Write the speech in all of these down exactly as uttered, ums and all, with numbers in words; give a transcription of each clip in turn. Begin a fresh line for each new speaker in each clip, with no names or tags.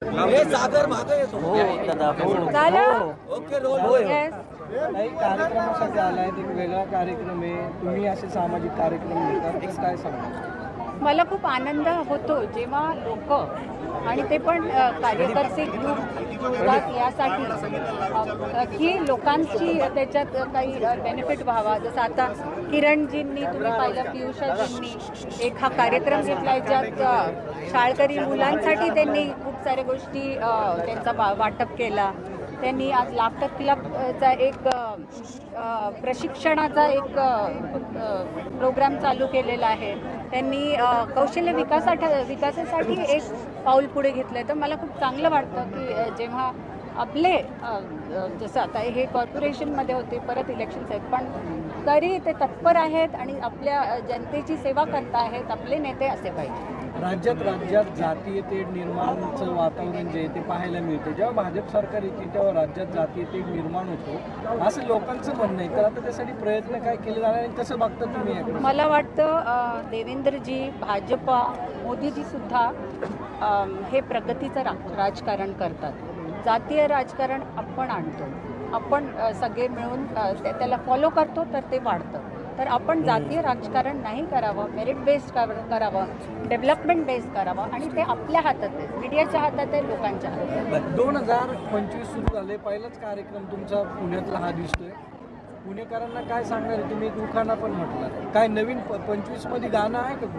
हे सागर मागे येतो.
हो दादा हो.
झालं?
Okay role.
Yes.
काही कार्यक्रमासाठी आलाय एक वेगळा कार्यक्रम आहे, तुम्ही असे सामाजिक कार्यक्रम घेतात तर काय सांगा?
मला खूप आनंद होतो जेव्हा लोक आणि ते पण अ, कार्यकर्ते ग्रुप होतात यासाठी अ, की लोकांची त्याच्यात काही बेनिफिट व्हावा. जसं आता किरणजींनी तुम्ही पाहिलं, पियुषाजींनी एक हा कार्यक्रम घेतला ज्यात अ, शाळकरी मुलांसाठी त्यांनी खूप साऱ्या गोष्टी अ, त्यांचा वा- वाटप केला. त्यांनी आज लाफ्टर क्लबचा एक अ, अ, प्रशिक्षणाचा एक अ, अ, प्रोग्राम चालू केलेला आहे. त्यांनी अ, कौशल्य विकासासाठी विकासासाठी एक पाऊल पुढे घेतलं आहे. तर मला खूप चांगलं वाटतं की अ, जेव्हा आपले अ, अ, जसं आता हे कॉर्पोरेशनमध्ये होते, परत इलेक्शन्स आहेत, पण तरी ते तत्पर आहेत आणि आपल्या अ, जनतेची सेवा करत आहेत. आपले नेते असे पाहिजे.
राज्यात राज्यात जातीय तेढ निर्माणचं वातावरण जे आहे ते पाहायला मिळते. जेव्हा भाजप सरकार येते तेव्हा राज्यात जातीय तेढ निर्माण होतो असं लोकांचं म्हणणं आहे. तर आता त्यासाठी प्रयत्न काय केले जाणार आणि कसं बघता तुम्ही याकडे?
मला वाटतं अ, देवेंद्रजी, भाजपा, मोदीजीसुद्धा अम, हे प्रगतीचं रा राजकारण करतात. जातीय राजकारण आपण आणतो. आपण अ, सगळे मिळून अ, त्या- त्याला फॉलो करतो तर ते वाढतं. तर आपण जातीय राजकारण नाही करावं, मेरिट बेस्ड करावं, डेव्हलपमेंट बेस्ड करावं आणि ते आपल्या हातात आहे. मीडियाच्या हातात आहे, लोकांच्या हातात आहे.
दोन हजार पंचवीस सुरू झाले, पहिलाच कार्यक्रम तुमचा पुण्यातला हा दिसतोय. पुणेकरांना काय सांगणार आहे? तुम्ही एक उखाणा पण म्हटलं, काय नवीन पंचवीस मध्ये गाणं आहे का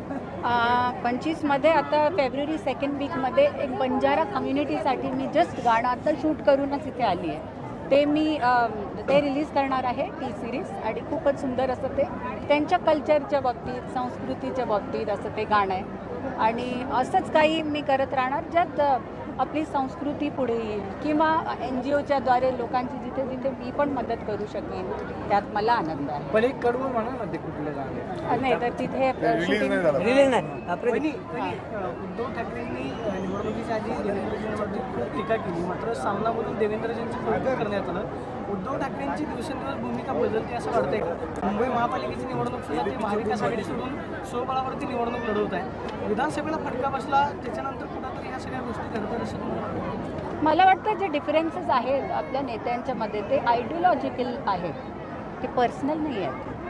कुठलं?
पंचवीसमध्ये आता फेब्रुवारी सेकंड वीकमध्ये एक बंजारा कम्युनिटीसाठी मी जस्ट गाणं आता शूट करूनच इथे आली आहे. ते मी अम, ते रिलीज करणार आहे, टी सिरीज, आणि खूपच सुंदर असं ते त्यांच्या कल्चरच्या बाबतीत, संस्कृतीच्या बाबतीत असं ते गाणं आहे. आणि असंच काही मी करत राहणार ज्यात अ, आपली संस्कृती पुढे येईल किंवा एन जी ओच्या द्वारे लोकांची जिथे जिथे मी पण मदत करू शकेन त्यात मला आनंद आहे.
पण एक कडवं म्हणा ना ते कुठलं गाणं?
अ, नाही तर तिथे शूटिंग
रिलीज नाही आपलं
वहिनी, वहिनी, अ, उद्धव ठाकरेंनी अ, निवडणुकीच्या आधी देवेंद्रजींवरती खूप टीका केली, मात्र सामनामधून देवेंद्रजींचं कौतुक करण्यात आलं. उद्धव ठाकरेंची दिवसेंदिवस भूमिका बदलते असं वाटतंय का? मुंबई महापालिकेची निवडणूक सुद्धा ते महाविकास आघाडी सोडून स्वबळावरती निवडणूक लढवत आहे. विधानसभेला फटका बसला, त्याच्यानंतर कुठंतरी ह्या सगळ्या गोष्टी घडतात असं तुम्हाला वाटतं?
मला वाटतं जे डिफरन्सेस आहेत आपल्या नेत्यांच्या मध्ये ते आयडिओलॉजिकल आहेत, ते पर्सनल नाही आहेत.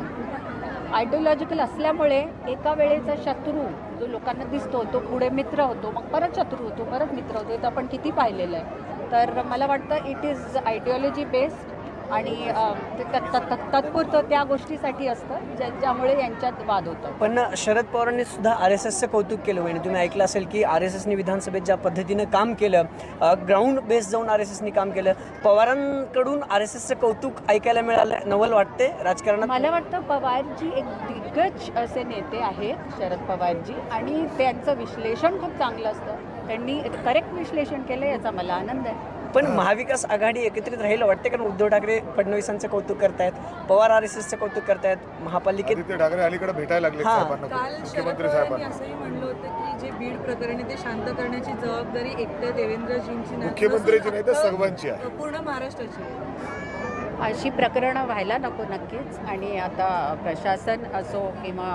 तर आयडिओलॉजिकल असल्यामुळे एका वेळेचा शत्रू जो लोकांना दिसतो तो पुढे मित्र होतो, मग परत शत्रू होतो, परत मित्र होतो. हे तर आपण किती पाहिलेलं आहे. तर मला वाटतं इट इज आयडिओलॉजी बेस्ड आणि अ, ते तत्- तत्- तत्- तात्पुरतं त्या गोष्टीसाठी असतं ज्या ज्यामुळे यांच्यात वाद होतात.
पण शरद पवारांनी सुद्धा आर एस एसचं कौतुक केलं म्हणजे तुम्ही ऐकलं असेल की आर एस एसनी विधानसभेत ज्या पद्धतीनं काम केलं, ग्राउंड बेस जाऊन आर एस एसनी काम केलं. पवारांकडून आर एस एसचं कौतुक ऐकायला मिळालं, नवल वाटते राजकारणात.
मला वाटतं पवारजी एक दिग्गज असे नेते आहेत, शरद पवारजी, आणि त्यांचं विश्लेषण खूप चांगलं असतं. त्यांनी करेक्ट विश्लेषण केलं, याचा मला आनंद आहे.
पण महाविकास आघाडी एकत्रित राहील वाटते, कारण उद्धव ठाकरे फडणवीसांचं कौतुक करतायत, पवार आर एस एसचं कौतुक करतायत, महापालिकेत
आदित्य ठाकरे अलीकडे भेटायला लागले
हां.
साहेबांना,
काल शरद
मुख्यमंत्री
पवारांनी
साहेबांना.
असंही म्हणलं होतं की जे बीड प्रकरणी ते शांत करण्याची जबाबदारी एकट्या देवेंद्रजींची नाही,
मुख्यमंत्र्यांची नाही तर
नसून
सर्वांची आहे.
पूर्ण महाराष्ट्राची आहे.
अशी प्रकरणं व्हायला नको नक्कीच. आणि आता प्रशासन असो किंवा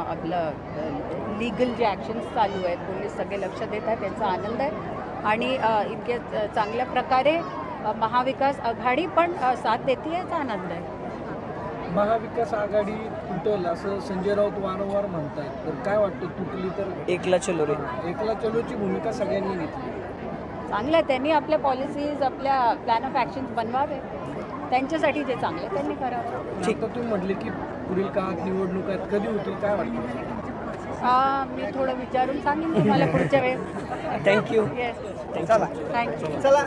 आपलं लीगल जे ॲक्शन्स चालू आहेत, पोलीस सगळे लक्ष देत आहेत, त्यांचा आनंद आहे. आणि अ, इतक्या चांगल्या प्रकारे अ, महाविकास आघाडी पण अ, साथ देते, याचा आनंद आहे.
महाविकास आघाडी तुटल असं संजय राऊत वारंवार म्हणतायत, तर काय वाटतं तुटली तर?
एकला चलो रे.
एकला चलोची भूमिका सगळ्यांनी घेतली.
चांगलं आहे, त्यांनी आपल्या पॉलिसीज, आपल्या प्लॅन ऑफ ॲक्शन्स बनवावे. त्यांच्यासाठी जे चांगलं आहे त्यांनी करावं.
ठीक, तर तुम्ही म्हटले की पुढील काळात निवडणूक आहेत, कधी होतील काय वाटतं?
अ, मी थोडं विचारून सांगेन तुम्हाला पुढच्या वेळेस.
थँक्यू.
येस,
चला
थँक्यू.
चला